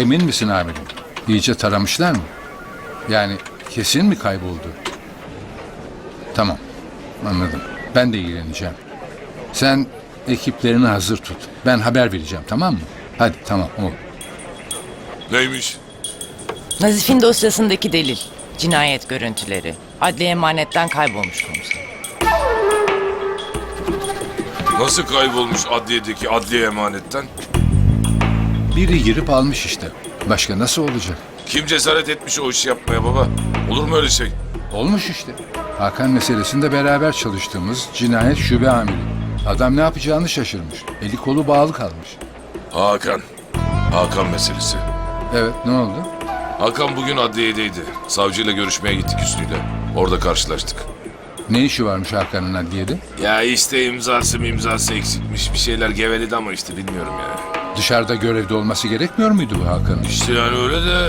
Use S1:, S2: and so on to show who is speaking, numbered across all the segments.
S1: Emin misin amirim? İyice taramışlar mı? Yani kesin mi kayboldu? Tamam, anladım. Ben de ilgileneceğim. Sen ekiplerini hazır tut. Ben haber vereceğim, tamam mı? Hadi tamam oğlum.
S2: Neymiş?
S3: Nazif'in dosyasındaki delil. Cinayet görüntüleri. Adli emanetten kaybolmuş komiser.
S2: Nasıl kaybolmuş adliyedeki adliye emanetten?
S1: Biri girip almış işte. Başka nasıl olacak?
S2: Kim cesaret etmiş o işi yapmaya baba? Olur mu öyle şey?
S1: Olmuş işte. Hakan meselesinde beraber çalıştığımız cinayet şube amiri. Adam ne yapacağını şaşırmış. Eli kolu bağlı kalmış.
S2: Hakan. Hakan meselesi.
S1: Evet, ne oldu?
S2: Hakan bugün adliyedeydi. Savcıyla görüşmeye gittik Hüsnü'yle. Orada karşılaştık.
S1: Ne işi varmış Hakan'ın adliyede?
S2: Ya işte imzası eksikmiş. Bir şeyler geveledi ama işte bilmiyorum ya.
S1: Dışarıda görevde olması gerekmiyor muydu bu Hakan'ın?
S2: İşte yani öyle de...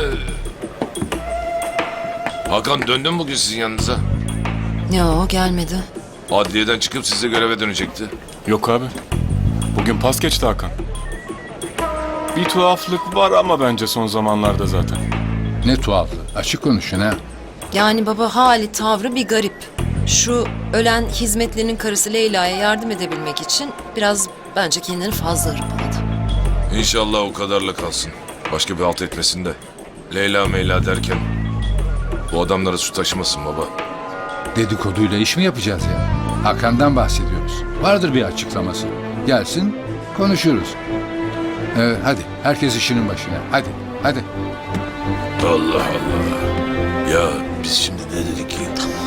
S2: Hakan döndü mü bugün sizin yanınıza?
S4: Yo, gelmedi.
S2: Adliyeden çıkıp size göreve dönecekti.
S5: Yok abi. Bugün pas geçti Hakan. Bir tuhaflık var ama bence son zamanlarda zaten.
S1: Ne tuhaflı. Açık konuşun ha.
S4: Yani baba hali tavrı bir garip. Şu ölen hizmetlinin karısı Leyla'ya yardım edebilmek için biraz bence kendini fazla hırpaladı.
S2: İnşallah o kadarla kalsın. Başka bir halt etmesin de. Leyla meyla derken... Bu adamlara su taşımasın baba.
S1: Dedikoduyla iş mi yapacağız ya? Hakan'dan bahsediyoruz. Vardır bir açıklaması. Gelsin, konuşuruz. Hadi, herkes işinin başına. Hadi, hadi.
S2: Allah Allah. Ya biz şimdi ne dedik ki?